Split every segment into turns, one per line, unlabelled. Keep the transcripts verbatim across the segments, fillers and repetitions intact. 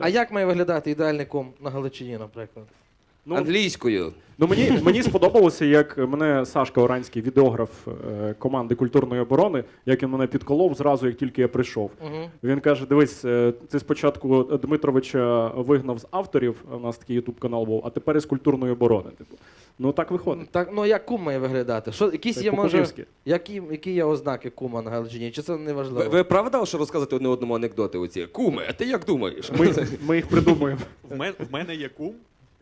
А як має виглядати ідеальний кум на Галичині, наприклад?
Ну,
Англійською.
Ну, мені, мені сподобалося, як мене Сашка Оранський, відеограф е, команди культурної оборони, як він мене підколов зразу, як тільки я прийшов.
Угу.
Він каже, дивись, е, ти спочатку Дмитровича вигнав з авторів, у нас такий ютуб-канал був, а тепер із культурної оборони. Типу. Ну так виходить.
Так, ну як кум має виглядати? Що, якісь
Так,
є, може,
по-кумівськи.
які, які є ознаки кума на Галичині? Чи це не важливо?
Ви, ви правда, що розказуєте одне одному анекдоти оці? Куме, а ти як думаєш?
Ми, ми їх придумуємо.
В мене, в мене є кум,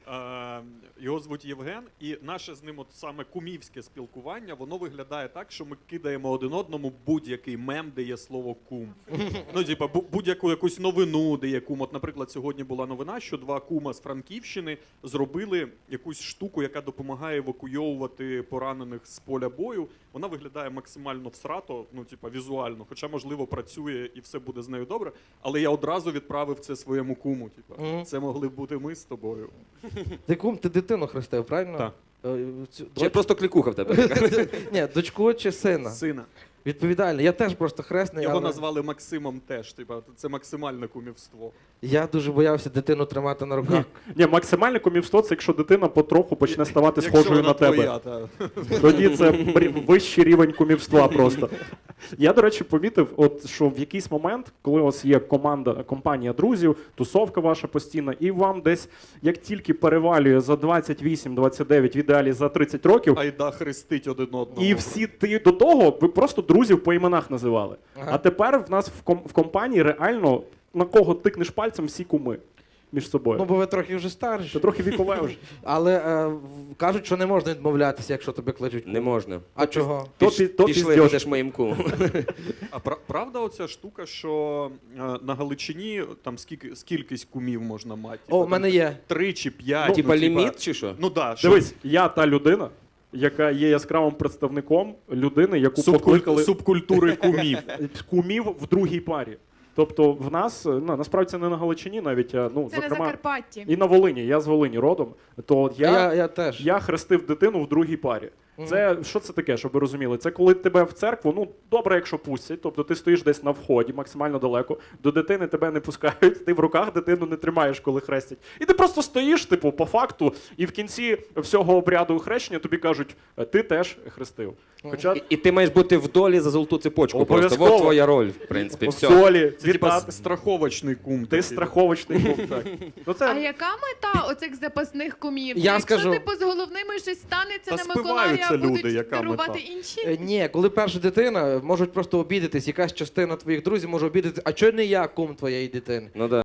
е, його звуть Євген, і наше з ним от саме кумівське спілкування, воно виглядає так, що ми кидаємо один одному будь-який мем, де є слово кум. Ну, типа, бу- будь-яку якусь новину, де є кум. От, наприклад, сьогодні була новина, що два кума з Франківщини зробили якусь штуку, яка допомагає евакуйовувати поранених з поля бою. Вона виглядає максимально всрато, ну, типа, візуально, хоча, можливо, працює і все буде з нею добре, але я одразу відправив це своєму куму. Типа,
Мгм.
це могли б бути ми з тобою.
Ти кум, ти дитину хрестив, правильно?
Так.
Е, цю-
Чи
доч-
просто клікуха в тебе?
Ні, дочку чи сина?
Сина.
Відповідально. Я теж просто хресний,
Його
але
назвали Максимом теж. Типа, це максимальне кумівство.
я дуже боявся дитину тримати на руках.
Ні, максимальне кумівство – це якщо дитина потроху почне ставати
Якщо
схожою
вона
на тебе.
твоя, та.
Тоді це брі- вищий рівень кумівства просто. Я, до речі, помітив, от, що в якийсь момент, коли у вас є команда, компанія друзів, тусовка ваша постійна, і вам десь, як тільки перевалює за двадцять вісім двадцять дев'ять, в ідеалі за тридцять років,
Айда хрестить один одного.
і всі ти до того, ви просто друзів по іменах називали.
Ага.
А тепер в нас в, ком- в компанії реально на кого тикнеш пальцем, всі куми між собою.
Ну, бо ви трохи вже старші.
Це трохи вікове вже.
Але е, в- кажуть, що не можна відмовлятися, якщо тебе кличуть.
Не можна.
А чого?
То
Піш-
пі- то
Пішли,
піздьош.
будеш моїм кумом.
А пра- правда оця штука, що е, на Галичині там скільки, скількись кумів можна мати?
О, в мене є.
Три чи п'ять.
Ну,
Типа ліміт чи що?
Ну да, що
Дивись, я та людина, яка є яскравим представником людини, яку
субкуль-
покликали
субкультури кумів.
кумів в другій парі. Тобто в нас, ну, насправді це не на Галичині навіть, а, ну,
Це на
зокрема,
Закарпатті.
і на Волині, я з Волині родом, то
Я,
я,
я, я теж.
я хрестив дитину в другій парі. Це, що це таке, щоб ви розуміли? Це коли тебе в церкву, ну, добре, якщо пустять, тобто ти стоїш десь на вході, максимально далеко, до дитини тебе не пускають, ти в руках дитину не тримаєш, коли хрестять. І ти просто стоїш, типу, по факту, і в кінці всього обряду хрещення тобі кажуть, ти теж хрестив. Хоча
І, і ти маєш бути в долі за золоту цепочку просто.
Обов'язково.
Вот твоя роль, в принципі,
в
все.
солі,
Це типа
вітати.
с- страховочний кум.
Ти
такий.
страховочний кум, так. Ну, це...
А яка мета оцих запасних кумів?
Я
Якщо
скажу.
типу з головними щось станеться
Та
на Миколая,
спиваються
будуть
люди, яка
дарувати
мета?
інші?
Е, Ні, коли перша дитина, можуть просто обідатись, якась частина твоїх друзів може обідатись, а чого не я кум твоєї дитини?
Ну да.